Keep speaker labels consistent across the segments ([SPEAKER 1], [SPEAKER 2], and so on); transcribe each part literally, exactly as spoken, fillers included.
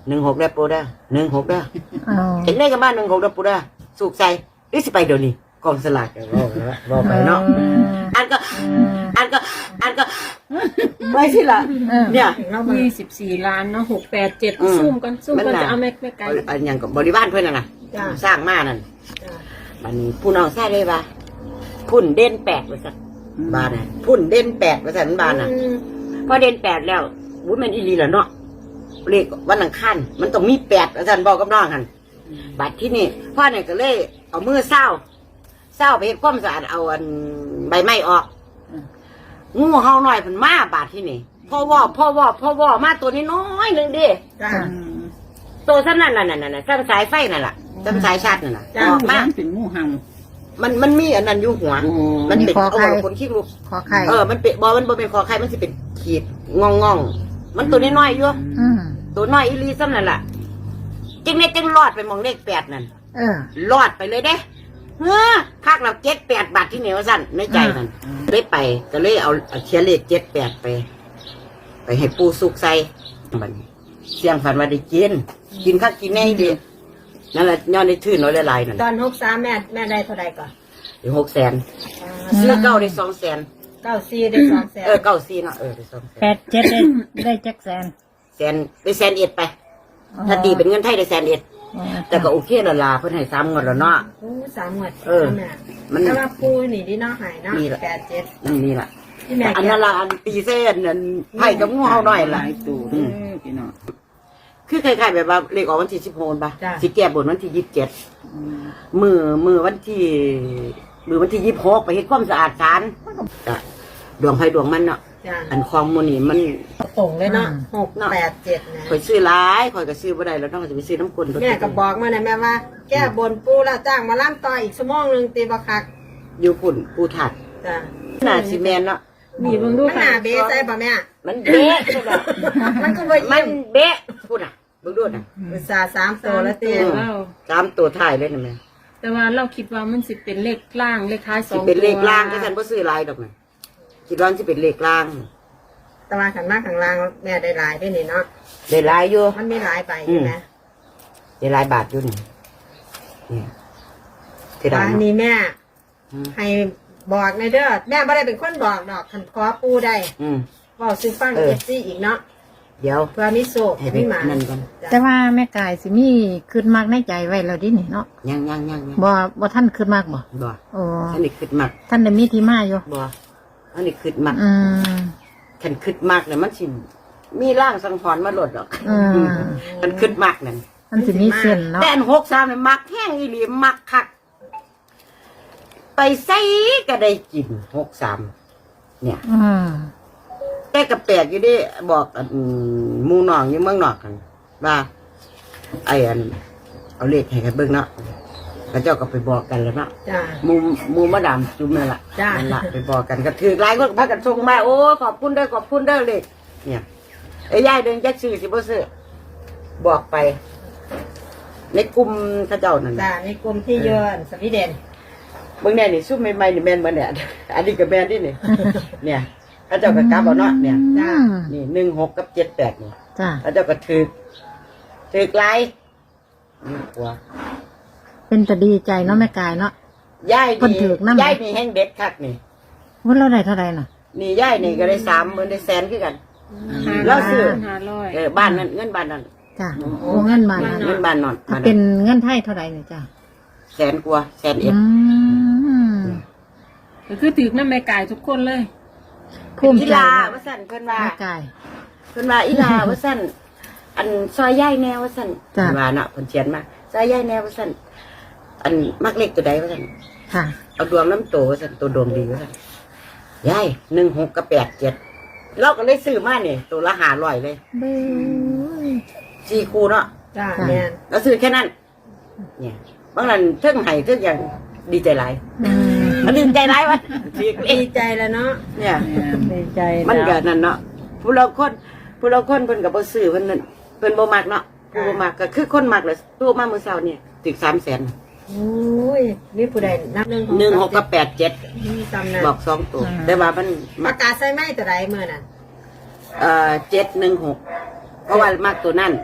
[SPEAKER 1] หนึ่งหกได้ปูได้หนึ่งหกได้
[SPEAKER 2] อ๋อ
[SPEAKER 1] เห็นได้กันบ้านหนึ่งหกได้ปูได้สุกใจหรือสิไปเดี๋ยวนี้กองสลากก็บอกแล้วบอกไปเนาะอันก็อันก็อันก็ไม่ใช่ละเนี่ย
[SPEAKER 3] ยี่สิบสี่ล้านเนาะหกแปดเจ็ดซุ่มกันซุ่มกันจะเอาแม่แม่ไก่
[SPEAKER 1] อันอย่างกับบริวารเพื่อนน่ะนะสร้างมานั่นมันผู้น้องใช่เลยปะพุ่นเด่นแปดว่าสักบานน่ะพุ่นเด่นแปดว่าสักบานน่ะพอเด่นแปดแล้ววุ้นมันอีลีแล้วเนาะเลขวันอังคารมันต้องมีแปดว่าสักบอกกับน้องกันบัดที่นี่พ่อเนี่ยก็เลยเอามือเศร้าเศร้าไปเฮ็ดความสะอาดเอาอันใบไม้ออกงูเห่าหน่อยมันมาบาดที่นี่พ่อว่าพ่อว่าพ่อว่ามาตัวนี้น้อยหนึ่งดิตัวสั้นนั่นน่ะนั่นน่ะสั้นสายไฟนั่นแหละสั้นสายชาตินั่นน่ะออกมา
[SPEAKER 4] เป็นงูเห่า
[SPEAKER 1] มันมันมีอันนั้นอยู่หัวมันเป็นเอาคนขี้ลูก
[SPEAKER 2] ขอไข่
[SPEAKER 1] เออมันเป็นบอมันบอเป็นคอไข่มันสิเป็นขีดงองงองมันตัวน้อยๆอยู่
[SPEAKER 2] อืม
[SPEAKER 1] ตัวน้อยอีลีซ้ำนั่นแหละจึงเนี่ยจึงรอดไปมองเลขแปดนั่น
[SPEAKER 2] เออ
[SPEAKER 1] รอดไปเลยเด้เฮ้อคากเราเจ็ดแปดบาทที่เหนียวสั้นในใจมันเลยไปก็เลยเอาเชียร์เลขเจ็ดแปดไป ไปให้ปูสุกใส่มันเสียงฝันว่าได้กินกินข้าวกินแน่ดีนั่นแหละย้อนได้ชื่นน้อยละลายนั่น
[SPEAKER 3] ตอนหกสามแม่แม่ได้เท่าไรก่อน
[SPEAKER 1] ได้หกแสนซื้อเก้าได้สองแสน
[SPEAKER 3] เก้าสี่ได้สองแสน
[SPEAKER 1] เออเก้าสี่เนาะเออได้สองแสน
[SPEAKER 2] แปดเจ็ดได้ได้จักแสน
[SPEAKER 1] แสนได้แสนเอ็ดไป ถ้าตีเป็นเงินไทยได้แสนเอ็ด
[SPEAKER 2] อ๋อ
[SPEAKER 1] แต่ก็โอเคละลาเพิ่นให้สามงวดแล้วเนาะ
[SPEAKER 3] โอ้สามหมวด
[SPEAKER 1] เออ
[SPEAKER 3] แม่
[SPEAKER 1] มัน
[SPEAKER 3] แต่ว่าปูนี่ที่น้องหายเนาะ
[SPEAKER 1] นี่แหละ
[SPEAKER 3] แปดเจ็ด
[SPEAKER 1] นั่นนี่ล่ะ
[SPEAKER 3] ที่แม่
[SPEAKER 1] อันนั้นละอันตีเส้นอันไผ่กับงูเห่าหน่อย
[SPEAKER 4] ห
[SPEAKER 1] ล่ะ
[SPEAKER 4] ลายตัวเด้อพี่น้อง
[SPEAKER 1] คือคล้ายๆแบบว่าเลขออกวันที่สิบหกป่ะ
[SPEAKER 3] จ้ะ
[SPEAKER 1] สิแก้บนวันที่ยี่สิบเจ็ดมือมือวันที่มือวันที่ยี่สิบหกไปเฮ็ดความสะอาดศาลก็ดวงไฟดวงมันเนาะ
[SPEAKER 3] จ้า
[SPEAKER 1] อันคลองมูนี่มัน
[SPEAKER 3] ตรงเลยเนาะหกแปดเจ็ดนะ
[SPEAKER 1] ข่อยซื้อหลายข่อยก็ซื้อบ่ได้แล้วต้องจะไปซื้อน้ำกลน
[SPEAKER 3] แม่ก็บอกมาเนี่ยแม่ว่า แก้บนปูแล้วจ้างมาล่ำต่ออีกชั่วโมงหนึ่งตีบักคัก
[SPEAKER 1] อยู่ปุ่นปูถัด
[SPEAKER 3] จ้า
[SPEAKER 1] หน้าซีเมนต์เนาะ
[SPEAKER 3] มีเบิ่งดูมันหนาเบสใส่ป่ะแม่
[SPEAKER 1] มันเบ๊ะพุ่นน่ะ
[SPEAKER 3] มันก็บ่
[SPEAKER 1] มั
[SPEAKER 3] ยิ้
[SPEAKER 1] น
[SPEAKER 3] ม
[SPEAKER 1] เบ๊ะพุ่นน่ะเบิ่งดูน่ะ
[SPEAKER 3] อุตส่าห์สามตัวแล้วตี
[SPEAKER 1] อืม ตามตัวท้ายเลยนะแม่
[SPEAKER 3] แต่ว่าเราคิดว่ามันสิเป็นเลขล่างเลขท้ายส
[SPEAKER 1] สิ
[SPEAKER 3] องตัว
[SPEAKER 1] เป็นเลขล่างก็ฉันบ่ซื้อหลายดอกนะคิดว่าสิเป็นเลขล่าง
[SPEAKER 3] แต่ว่าขันมากขังล่างแม่ได้หลายด้วยนี่เนาะ
[SPEAKER 1] ได้หลายอยู่
[SPEAKER 3] มันมีหลายใบใช่ไหม
[SPEAKER 1] ได้หลายบาทอยู่นี่นี่ที่ได้
[SPEAKER 3] อัน
[SPEAKER 1] เนาะ
[SPEAKER 3] นี้แม่
[SPEAKER 1] อืม
[SPEAKER 3] ให้บอกในเด้อแม่ไม่ได้เป็นคนบอกดอกขันขอปูได้
[SPEAKER 1] อืม
[SPEAKER 3] บอกซื้อฟัง
[SPEAKER 1] เออ
[SPEAKER 3] เอฟซีอีกเนาะ
[SPEAKER 1] เดี๋ยว
[SPEAKER 3] เพื่อมีโศก
[SPEAKER 1] ให้ไป
[SPEAKER 3] มีหมา
[SPEAKER 1] นั่นก่อน
[SPEAKER 2] แต่ว่าแม่กายสิมีคืนมากในใจไว้แล้วดินี่เนาะ
[SPEAKER 1] ยังยังยังยัง
[SPEAKER 2] บ่บ่ท่านคืนมากบ่
[SPEAKER 1] บ่
[SPEAKER 2] โอ้
[SPEAKER 1] อันนี้คิดมัก
[SPEAKER 2] ท่านได้มีที่มาอยู่
[SPEAKER 1] บ่อันนี้คิดมัก
[SPEAKER 2] อืม
[SPEAKER 1] คันคิดมักเนี่ยมันสิมีร่างสังหรณ์มาหลดดอก
[SPEAKER 2] อืม
[SPEAKER 1] คันคิดมักนั่น
[SPEAKER 2] มันสิมีเส้นเนาะ
[SPEAKER 1] แต่อันหกสามเนี่ยมักแห้งอีหลีมักคักไปใส่ก็ได้กินหกสามเนี่ย
[SPEAKER 2] อืม
[SPEAKER 1] แต่กระแปลกอยู่ดิบอกอันหมูหนองอยู่เมืองนอกกันว่าไอ้อันเอาเลขให้กันเบิ่งเนาะแล้วเจ้าก็ไปบอกกันแล้วเนาะ
[SPEAKER 3] จ้า
[SPEAKER 1] หมูหมูมาดามจุ่มนั่นล่ะ
[SPEAKER 3] จ้ะ
[SPEAKER 1] นั่นล่ะไปบอกกันก็ถือหลายคนก็พากันส่งมาโอ้ขอบคุณเด้อขอบคุณเด้อเลขเนี่ยไอ้ยายเดินจักซื้อสิบ่ซื้อบอกไป ในกลุ่มเขาเจ้านั่น
[SPEAKER 3] จ้าในกลุ่มที่เยือนสวีเดน
[SPEAKER 1] เบิ่งแน่นี่ซุ่มใหม่ๆนี่แม่นบ่เนี่ยอันนี้ก็แม่นดินี่ เนี่ยเขาเจ้าก็กลับเอาเนาะเนี่ย
[SPEAKER 2] อืม
[SPEAKER 1] นี่หนึ่งหกกับเจ็ดแปดนี่
[SPEAKER 2] จ้า
[SPEAKER 1] เขาเจ้าก็ถือถือไกลนี่กลัว
[SPEAKER 2] เป็นแต่ดีใจเนาะแม่กายเนาะ
[SPEAKER 1] ย่าย
[SPEAKER 2] เพิ่น
[SPEAKER 1] นี่
[SPEAKER 2] ถือกนำ
[SPEAKER 1] ย่ายนี่แห้งเด็ดคักนี่
[SPEAKER 2] ว่าเราได้เท่าไหร่น่ะ
[SPEAKER 1] นี่ย่ายนี่ก็ได้สามหมื่นได้แสนคือกัน แล้วซื้อ
[SPEAKER 3] ห้าร้อย
[SPEAKER 1] เออบ้านนั้นเงินบ้านนั้น
[SPEAKER 2] จ้าโอ้เงินมา
[SPEAKER 1] เงินบ้านนอน
[SPEAKER 2] ถ้า
[SPEAKER 1] บ้าน
[SPEAKER 2] เป็
[SPEAKER 1] นั้น
[SPEAKER 2] นเงินไทยเท่าไหร่เนี่ยจ้า
[SPEAKER 1] แสนกว่าแสนเอ็ด
[SPEAKER 2] อืม
[SPEAKER 3] ก็คือถือน้ำแม่กายทุกคนเลย
[SPEAKER 2] ภูมิ
[SPEAKER 1] อี
[SPEAKER 2] ใจ
[SPEAKER 1] ลา
[SPEAKER 2] เนาะ
[SPEAKER 1] ว่าสั่นเพิ่นว่า
[SPEAKER 2] แม่กาย
[SPEAKER 1] เพิ่นว่าอีลาว่าสั่นอันซอยย่ายแนวว่าสั่น
[SPEAKER 2] จ้ะ
[SPEAKER 1] เพิ่นว่าเนาะเพิ่นเขียนมาซอยย่ายแนวว่าสั่นอันมักเล็กตัวใดว่าสั่น
[SPEAKER 2] ค่ะ
[SPEAKER 1] เอาดวงน้ำโตว่าสั่นตัวดวงดีว่าสั่นย่ายหนึ่งหกกับแปดเจ็ดเราก็เลยซื้อมาเนี่ยตัวละห้าร้อยเลย
[SPEAKER 2] เบ้ย
[SPEAKER 1] สี่คู่เนาะ
[SPEAKER 3] จ้า
[SPEAKER 2] จ้ะ
[SPEAKER 3] แม่น
[SPEAKER 1] เราซื้อแค่นั้น เนี่ยบางนั้นเทิงไห้เทิงอย่างดีใจหลาย
[SPEAKER 2] อืม
[SPEAKER 1] มันดีใจหลายวะดีเอ
[SPEAKER 3] ดีใจแล้วเนาะ
[SPEAKER 1] เนี่ย
[SPEAKER 2] ดีใจ
[SPEAKER 1] มัน
[SPEAKER 2] แล้ว
[SPEAKER 1] เกิดนั่นเนาะผู้เราคนผู้เราคนเพิ่นกับบ่ซื้อเพิ่นนั่นเพิ่นบ่มักเนาะผู้บ่มักก็คือคนมักเลยตัวมามื้อเช้าเนี่ยถึงสามแสน
[SPEAKER 3] โอ้ยนี่ผู้ใดนับหนึ่ง
[SPEAKER 1] หนึ่งหกกับแปดเจ็ด
[SPEAKER 3] นี่ตำนาน
[SPEAKER 1] บอกสองตัวแต่ว่ามัน
[SPEAKER 3] ป
[SPEAKER 1] มั
[SPEAKER 3] ระ
[SPEAKER 1] ก
[SPEAKER 3] กาศใส่ไม้แต่ใดเมื่อนั้น
[SPEAKER 1] เอ่อเจ็ดหนึ่งหกเพราะว่ามักตัวนั่น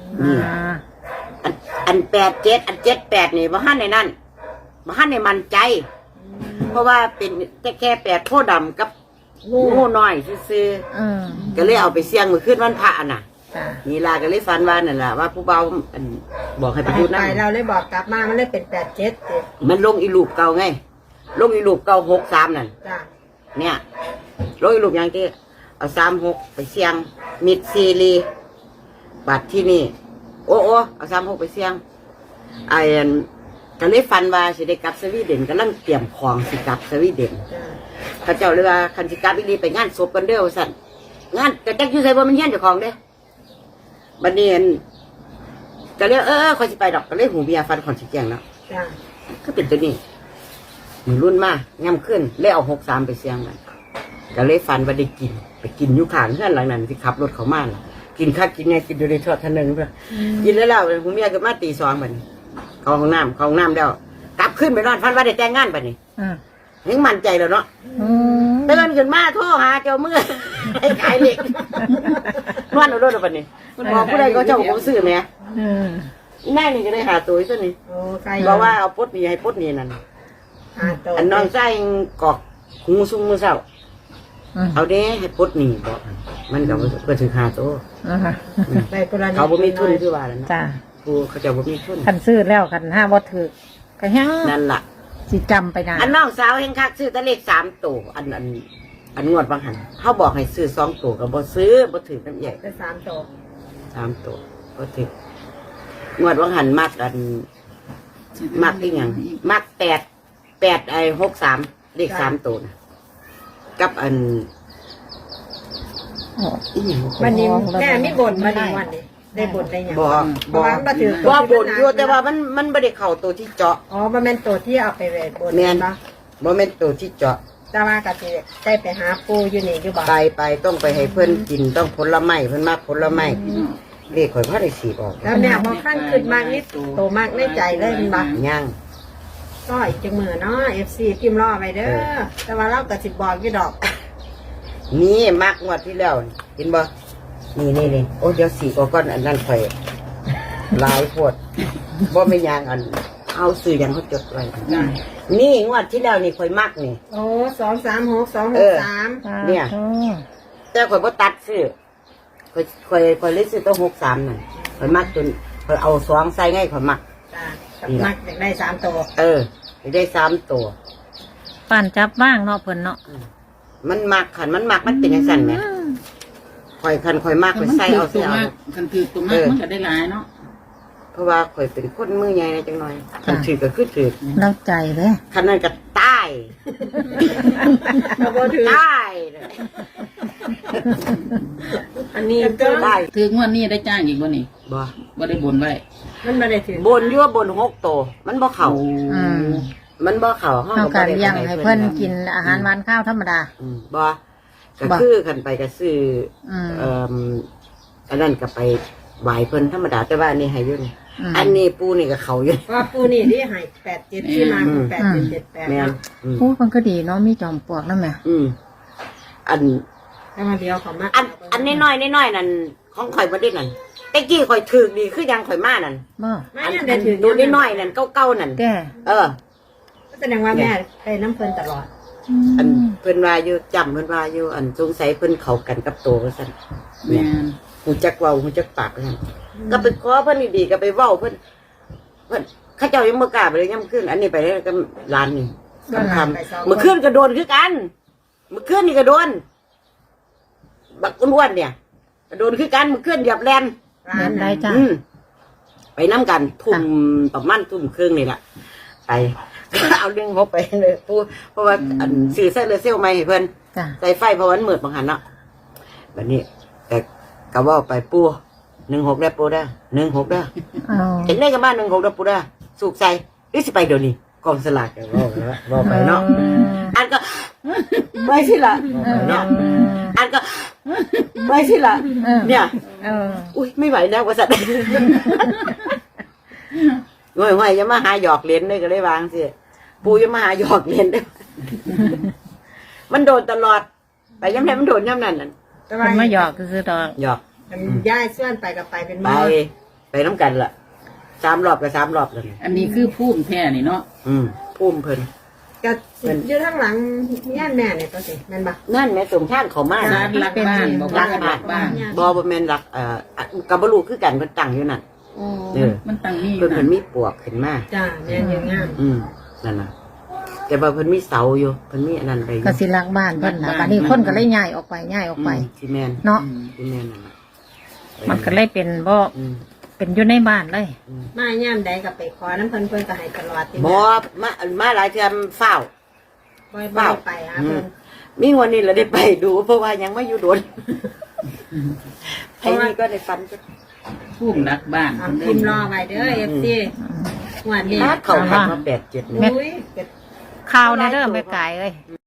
[SPEAKER 1] นี่
[SPEAKER 2] อ่า
[SPEAKER 1] อันอันแปดเจ็ดอันเจ็ดแปดนี่บ่ฮั่นในนั่นบ่ฮั่นในมันใจ เพราะว่าเป็นแค่แปดโพดำกับงูน้อยซื่อ
[SPEAKER 2] อืม
[SPEAKER 1] ๆก็เลยเอาไปเสี่ยงมือขึ้นวันพระน่ะ
[SPEAKER 2] จ้ะ
[SPEAKER 1] นี่ลาก็เลยฝันว่านั่นล่ะว่าผู้เบาอันบอกให้
[SPEAKER 3] ไป
[SPEAKER 1] ไปพูด
[SPEAKER 3] ไป
[SPEAKER 1] นั่น
[SPEAKER 3] เราเลยบอกกลับมามันเลยเป็นแปดเจ็ดเจ็ด
[SPEAKER 1] มันลงอีลูปเก่าไง ลงอีลูปเก่าหกสามนั่น
[SPEAKER 3] จ้ะ
[SPEAKER 1] เนี่ยลงอีลูปอย่างที่เอาสามหกไปเสี่ยง มิดซีรีบัตรที่นี่ โอ้โอ้เอาสามหกไปเสี่ยงไอ้อันก็เลยฝันว่าสิได้กลับสวีเดนกำลังเตรียมของสิกลับสวีเดน
[SPEAKER 3] จ้ะ
[SPEAKER 1] ข้าเจ้าเลยว่าคันสิกลับอีหลีไปงานศพกันเด้อว่าสั่นงานกระจักอยู่ใส่บ่มันเฮียนเจ้าของเด้บัดนี้อันก็เลยเออเออคอยสิไปดอกก็เลยหูเบียฟันขอนสิแจงแล้ว
[SPEAKER 3] จ้ะ
[SPEAKER 1] ก็เป็นตัวนี้มือรุ่นมากย่ำขึ้นเลยเอาหกสามไปเสียงมันก็เลยฟันว่าได้กิน ไปกินอยุขางเพื่อนหลังนั้นที่ขับรถเขามาล่ะกินข้าวกินไงกินอยู่ในทอดทันหนึ่งเพื่อกินแล้วแล้วผมเมียก็มาตีสองบัดนี้เขาห้องน้ำเขาห้องน้ำแล้วกลับขึ้นไปนอนฟันว่าได้แต่งงานบัดนี้
[SPEAKER 2] อืม
[SPEAKER 1] ยังมั่นใจแล้วเนาะ
[SPEAKER 2] อืม
[SPEAKER 1] เตือนขึ้นมาโทรหาเจ้ามือ ไอ้ขายเหล็กนวดเอาด้วยบัดนี้มันบอกผู้ใดก็เจ้าผมซื้อไหม
[SPEAKER 2] อืม
[SPEAKER 1] แม่นี่ก็ได้หาตัวซะนี่
[SPEAKER 3] โอ้ใคร
[SPEAKER 1] บอกว่าเอาปดนี่ให้ปดนี่นั่น
[SPEAKER 3] หาตัว
[SPEAKER 1] อันน้องใส่กอกหูซุ้มมือเศร้า
[SPEAKER 2] อืม
[SPEAKER 1] เอาเด้ให้ปดนี่บอกมันก็บ่ก็ถึงหาตัว
[SPEAKER 2] อ่าฮะ
[SPEAKER 3] ได้คนละนิด
[SPEAKER 1] เขาบ่มีทุนคือว่าแล้วนะ
[SPEAKER 2] จ้ะ
[SPEAKER 1] กูเขาจะบ่มีทุน
[SPEAKER 2] คันซื้อแล้วคันห้าบ่ถือก็ยัง
[SPEAKER 1] นั่นล่ะ
[SPEAKER 2] สิจำไปนาน
[SPEAKER 1] อันน้องสาวเฮงคักซื้อแตะเลขสามตัวอันอันอันงวดบางหันเขาบอกให้ซื้อสองตัวก็บ่ซื้อบ่ถือกันใหญ่
[SPEAKER 3] ได้สามตัว
[SPEAKER 1] สามตัวบ่ถืองวดบางหันมักอันมักอีหยังมักแปดแปดไอ้หกสามเลขสามตัวนะกับอัน
[SPEAKER 2] โอ้
[SPEAKER 1] อีหยัง
[SPEAKER 3] วันนี้แม่ไม่บ่นมาในวันนี้ได้บ่นได้หยัง
[SPEAKER 1] บ่
[SPEAKER 3] เพ
[SPEAKER 1] บ่
[SPEAKER 3] ราะว่ามาถือ
[SPEAKER 1] บ่บ่นอยู่แต่ว่ามันมันบ่ได้เข้าตัวที่เจาะ
[SPEAKER 3] อ๋อมันเป็นตัวที่เอาไปเวทบ่น
[SPEAKER 1] แม่น
[SPEAKER 3] ปะ
[SPEAKER 1] บ่แม่นตัวที่เจาะ
[SPEAKER 3] แต่ว่าก็สิได้ไปหาปูอยู่นี่อยู่บ่
[SPEAKER 1] ไปไปต้องไปให้เพิ่นกินต้องผลไม้เพิ่นมากผลไม้เลขข่อยพอได้สีออก
[SPEAKER 3] แล้วแม่พอขั้นขึ้นมากนิดโตมากในใจเลยมันบ่
[SPEAKER 1] ย่าง
[SPEAKER 3] ก็อีกจังมือเนาะ เอฟ ซี พิมพ์รอไปเด้อแต่ว่าเราก็สิบอกอยู่ดอก
[SPEAKER 1] นี่มักงวดที่แล้วเห็นบ่นี่นี่นี่โอ้เดี๋ยวสีออกก่อนอันนั้นข่อยหลายโพดบ่แม่นยางอันเอาซื้อหยังเขาจดไว้นี่งวดที่แล้วนี่ข่อยมักนี่
[SPEAKER 3] โอ้สองสามหกสองห
[SPEAKER 1] เอก อ
[SPEAKER 3] สาม
[SPEAKER 1] เนี่ย
[SPEAKER 2] โอ้
[SPEAKER 1] แต่ข่อยบ่ตัดซื้อข่อยข่อยข่อยเลยซื้อต้องหกสามนั่นข่อยมักจนข่อยเอาสองใส่ไงข่อยมัก
[SPEAKER 3] จ้ากับมักอยากได้สามตัว
[SPEAKER 1] เออได้สามตัว
[SPEAKER 2] ป่านจับบ้างเนาะเพิ่นเนาะ
[SPEAKER 1] มันมักขันมันมักมันเป็นอย่างสั่นไหมข่อยคันข่อยมากข่อยใส่เอา
[SPEAKER 4] ตั
[SPEAKER 1] เสี
[SPEAKER 4] วย
[SPEAKER 1] เอา
[SPEAKER 4] มากคันถือตัวมากมันก็ได้หลายเนาะ
[SPEAKER 1] เพราะว่าข่อยเป็นคนมือใหญ่นะจังหน่อยคันถือก็คือถือ
[SPEAKER 2] เล่าใจเลย
[SPEAKER 1] คันนั้นก็ตาย
[SPEAKER 3] เราบ่ถือ
[SPEAKER 1] ตายเลยอันนี้ก็ได้
[SPEAKER 4] ถืองวดนี้ได้จ้างอีกบ่นี่
[SPEAKER 1] บ่
[SPEAKER 4] บ่ได้บนไว้
[SPEAKER 3] มันไม่ได้ถือบ
[SPEAKER 1] นยั่วบนหกโตวมันบ่เข่า
[SPEAKER 2] อืม
[SPEAKER 1] มันบ่เข่าห้อง
[SPEAKER 2] เฮา
[SPEAKER 1] ก็
[SPEAKER 2] ก็
[SPEAKER 1] บ่ได้
[SPEAKER 2] เลี้ยงให้เพิ่นกินอาหารหวานข้าวธรรมดา
[SPEAKER 1] อืมบ่ก็
[SPEAKER 2] บ่
[SPEAKER 1] คือคันไปก็ซื้อ
[SPEAKER 2] อืม
[SPEAKER 1] เอ่ออันนั้นก็ไปไหวเพิ่นธรรมดาแต่ว่าอันนี้ให้อยู่นี่
[SPEAKER 2] อืม
[SPEAKER 1] อันนี้ปูนี่ก็เขาอยู่
[SPEAKER 3] ว่าปูนี่ที่ให้แปดเจ็ดที่มาคือแปดเจ็ดเจ็ดแปด
[SPEAKER 1] แม่น
[SPEAKER 3] เนาะ
[SPEAKER 1] อืม
[SPEAKER 2] พูดมันก็ดีเนาะมีจอมปลวกนั่นแหละ
[SPEAKER 1] อืมอัน
[SPEAKER 3] แต่มาเดียวเขามา
[SPEAKER 1] อันอันน้อยๆน้อยๆนั่นของข่อยบ่ได้นั่นแต่กี้ข่อยถือดีคือยังข่อยมานั่น
[SPEAKER 2] บ่
[SPEAKER 3] ไม่
[SPEAKER 1] อัน
[SPEAKER 3] ยัง
[SPEAKER 1] อั
[SPEAKER 3] ได้
[SPEAKER 1] น
[SPEAKER 3] ถือ
[SPEAKER 1] ดูน้อยๆนั่นเก่าๆนั่น
[SPEAKER 2] แก่
[SPEAKER 1] เออ
[SPEAKER 3] ก็แสดงว่าแม่ไปน้ำเพลินตลอด
[SPEAKER 1] อันเพิ่นว่าอยู่จำเพิ่นว่าอยู่อันสงสัยเพิ่นเข้ากันกับโตว่าซั่น
[SPEAKER 4] แม่น
[SPEAKER 1] หูจักเว้าหูจักปากว่าซั่นก็ไปขอเพิ่นดีๆก็ไปเว้าเพิ่นเพิ่นเขาเจ้ายังบ่กล้าไปเลยย่ำขึ้นอันนี้ไปเลยกับร้านนี่ก็ทำเมื่อคืนก็โดนคือกันเมื่อคืนนี่ก็โดนบักอ้วนๆเนี่ยก็โดนคือกันเมื่อคืนเหยียบแลน
[SPEAKER 3] ร้า
[SPEAKER 2] เงิ
[SPEAKER 3] น
[SPEAKER 2] น
[SPEAKER 3] ไหน
[SPEAKER 2] ได้จ้ะ
[SPEAKER 1] อืมไปน้ำกันทุ่มประมาณทุ่มครึ่งนี่แหละไป เอาเรื่องงบไปเลยพูดเพราะว่าอันสื่อเส้นเลยเซลไม่ให้เพื่อน
[SPEAKER 2] จ้ะ
[SPEAKER 1] ใส่ไฟเพราะวันเหมือดบางหันเนาะแบบนี้ แต่ก็ว่าไปปูหนึ่งหกได้ปูได้หนึ่งหกได้
[SPEAKER 2] เอา
[SPEAKER 1] เห็นได้กับบ้านหนึ่งหกได้ปูได้สุกใส่หรือสิไปเดี๋ยวนี้กองสลากก็ว่าไปแล้วว่าไปเนาะอันก็ไม่สิละ
[SPEAKER 2] เออ
[SPEAKER 1] เนาะอันก็ไม่สิละ
[SPEAKER 2] เออ
[SPEAKER 1] เนี่ย
[SPEAKER 2] เออ
[SPEAKER 1] อุ้ยไม่ไหวแล้วกว่าสัตว์ ง่อยง่อยๆอย่ามาหาหยอกเล่นได้ก็เลยวางสิปูอย่ามาหาหยอกเล่นได้ มันโดนตลอดไปย้ำไหนมันโดนย้ำนั่นน่ะ
[SPEAKER 3] แต่
[SPEAKER 2] มัน
[SPEAKER 3] ว่า
[SPEAKER 2] มาหยอกคือๆดอก
[SPEAKER 1] หยอก
[SPEAKER 3] มันย้ายเสื่อนไปกับไปเป็น
[SPEAKER 1] ไป
[SPEAKER 3] มือ
[SPEAKER 1] น้ำกันล่ะสามรอบกับสามรอบเลย
[SPEAKER 4] อันนี้คือภูมิแท้นี่เนาะ
[SPEAKER 1] อืมพุ่มเพิ่น
[SPEAKER 3] ก็อยู่ข้างหลังย่านแม่เนี่ยตัวสิแม่นบ่
[SPEAKER 1] นั่นแม่ส่งทางเขามา
[SPEAKER 4] ร้านรักบ้านบอกว่ารักบ้าน
[SPEAKER 1] บอบแม่นรักเอ่อกับบลูคือกันเพิ่นตั้งอยู่นั่น
[SPEAKER 4] โอ้
[SPEAKER 1] เออ
[SPEAKER 4] มันตั้งนี่อ
[SPEAKER 1] เพิ่
[SPEAKER 4] ยู่
[SPEAKER 1] น
[SPEAKER 4] นะ
[SPEAKER 1] เพิ่นมีปวกขึ้นมา
[SPEAKER 3] จ้าแม่นยังงาม
[SPEAKER 1] อืมนั่นน่ะแต่ว่าเพิ่นมีเสาอยู่เพิ่นมีอันนั้นไปอยู่
[SPEAKER 2] ก็สิรักบ้านเพิ่นล่ะบัดนี้คนก็เลยย้ายออกไปย้ายออกไป
[SPEAKER 1] อืมที่แม่น
[SPEAKER 2] เนาะ
[SPEAKER 1] ที่แม่นนั่นน่ะ
[SPEAKER 2] มันก็เลยเป็นบ่
[SPEAKER 1] อืม
[SPEAKER 2] เป็นอยู่ในบ้านเลย
[SPEAKER 1] อืม
[SPEAKER 3] มาย่ามใดก็ไปขอน้ำเพิ่นเพิ่นก็ให้ตลอดที่
[SPEAKER 1] บ่มามาหลายเทื่อเฝ้า
[SPEAKER 3] บ่บ่ได้ไปหาเพิ่น
[SPEAKER 1] มีวันนี้เราได้ไปดู เพราะว่ายังไม่อยู่โดนไอ้นี่ก็ได้ฟันจะ
[SPEAKER 4] ภูมิรักบ้าน
[SPEAKER 3] เอาพิมพ์รอไว้เด้อ เอฟ ซี งวดนี้
[SPEAKER 1] นัดเขาขับมาแปดเจ็ด
[SPEAKER 2] แม่
[SPEAKER 3] อุ้ย
[SPEAKER 2] ข้าวในเด้อแม่ไก่เอ้ย